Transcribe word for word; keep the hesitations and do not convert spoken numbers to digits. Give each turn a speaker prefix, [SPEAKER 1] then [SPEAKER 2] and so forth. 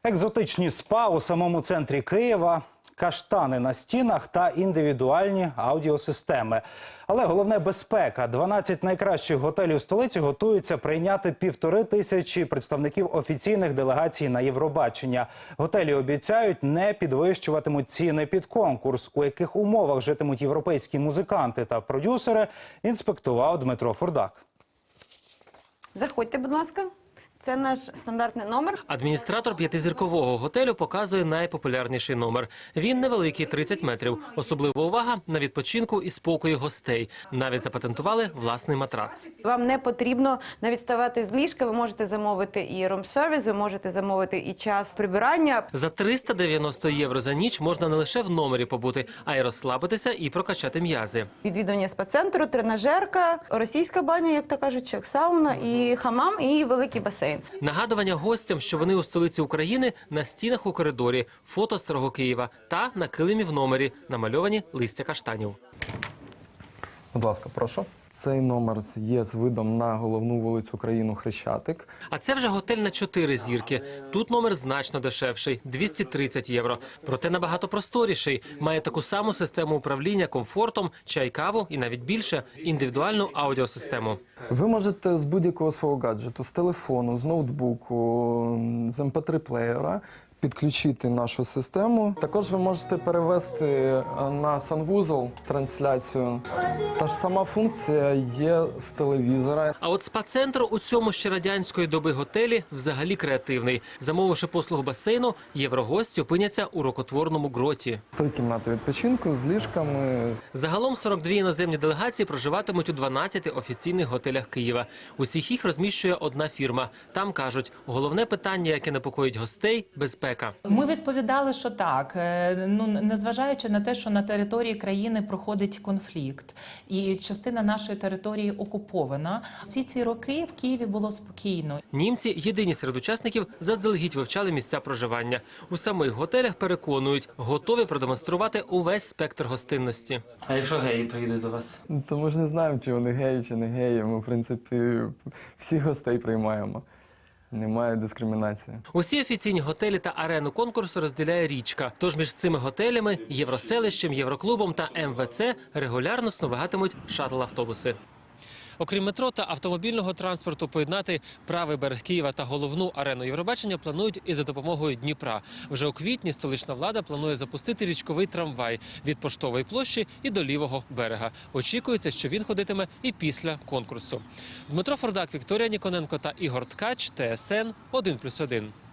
[SPEAKER 1] Екзотичні спа у самому центрі Києва, каштани на стінах та індивідуальні аудіосистеми. Але головне – безпека. дванадцять найкращих готелів столиці готуються прийняти півтори тисячі представників офіційних делегацій на Євробачення. Готелі обіцяють, не підвищуватимуть ціни під конкурс. У яких умовах житимуть європейські музиканти та продюсери, інспектував Дмитро Фурдак.
[SPEAKER 2] Заходьте, будь ласка. Це наш стандартний номер.
[SPEAKER 3] Адміністратор п'ятизіркового готелю показує найпопулярніший номер. Він невеликий – тридцять метрів. Особлива увага на відпочинку і спокої гостей. Навіть запатентували власний матрац.
[SPEAKER 2] Вам не потрібно навіть ставати з ліжка. Ви можете замовити і рум-сервіс, ви можете замовити і час прибирання.
[SPEAKER 3] За триста дев'яносто євро за ніч можна не лише в номері побути, а й розслабитися і прокачати м'язи.
[SPEAKER 2] Відвідування спа-центру, тренажерка, російська баня, як то кажуть, як сауна, і хамам, і великий басейн.
[SPEAKER 3] Нагадування гостям, що вони у столиці України, на стінах у коридорі, фото старого Києва та на килимі в номері намальовані листя каштанів.
[SPEAKER 4] Будь ласка, прошу. Цей номер є з видом на головну вулицю країну Хрещатик.
[SPEAKER 3] А це вже готель на чотири зірки. Тут номер значно дешевший – двісті тридцять євро. Проте набагато просторіший. Має таку саму систему управління комфортом, чай-каву і навіть більше – індивідуальну аудіосистему.
[SPEAKER 4] Ви можете з будь-якого свого гаджету, з телефону, з ноутбуку, з ем пе три плеєра підключити нашу систему. Також ви можете перевести на санвузол трансляцію. Та ж сама функція є з телевізора.
[SPEAKER 3] А от спа-центр у цьому ще радянської доби готелі взагалі креативний. Замовивши послугу басейну, єврогості опиняться у рукотворному гроті.
[SPEAKER 4] Три кімнати відпочинку з ліжками.
[SPEAKER 3] Загалом сорок дві іноземні делегації проживатимуть у дванадцяти офіційних готелях Києва. Усіх їх розміщує одна фірма. Там кажуть, головне питання, яке непокоїть гостей – безпека.
[SPEAKER 5] Ми відповідали, що так. Ну, незважаючи на те, що на території країни проходить конфлікт і частина нашої території окупована, всі ці роки в Києві було спокійно.
[SPEAKER 3] Німці єдині серед учасників заздалегідь вивчали місця проживання. У самих готелях переконують, готові продемонструвати увесь спектр гостинності. А якщо геї приїдуть до вас?
[SPEAKER 4] То ми ж не знаємо, чи вони геї, чи не геї. Ми, в принципі, всіх гостей приймаємо. Немає дискримінації.
[SPEAKER 3] Усі офіційні готелі та арену конкурсу розділяє річка. Тож між цими готелями, Євроселищем, Євроклубом та ем ве це регулярно сновигатимуть шаттл-автобуси. Окрім метро та автомобільного транспорту, поєднати правий берег Києва та головну арену Євробачення планують і за допомогою Дніпра. Вже у квітні столична влада планує запустити річковий трамвай від Поштової площі і до лівого берега. Очікується, що він ходитиме і після конкурсу. Дмитро Фурдак, Вікторія Ніконенко та Ігор Ткач, Те ес ен один плюс один.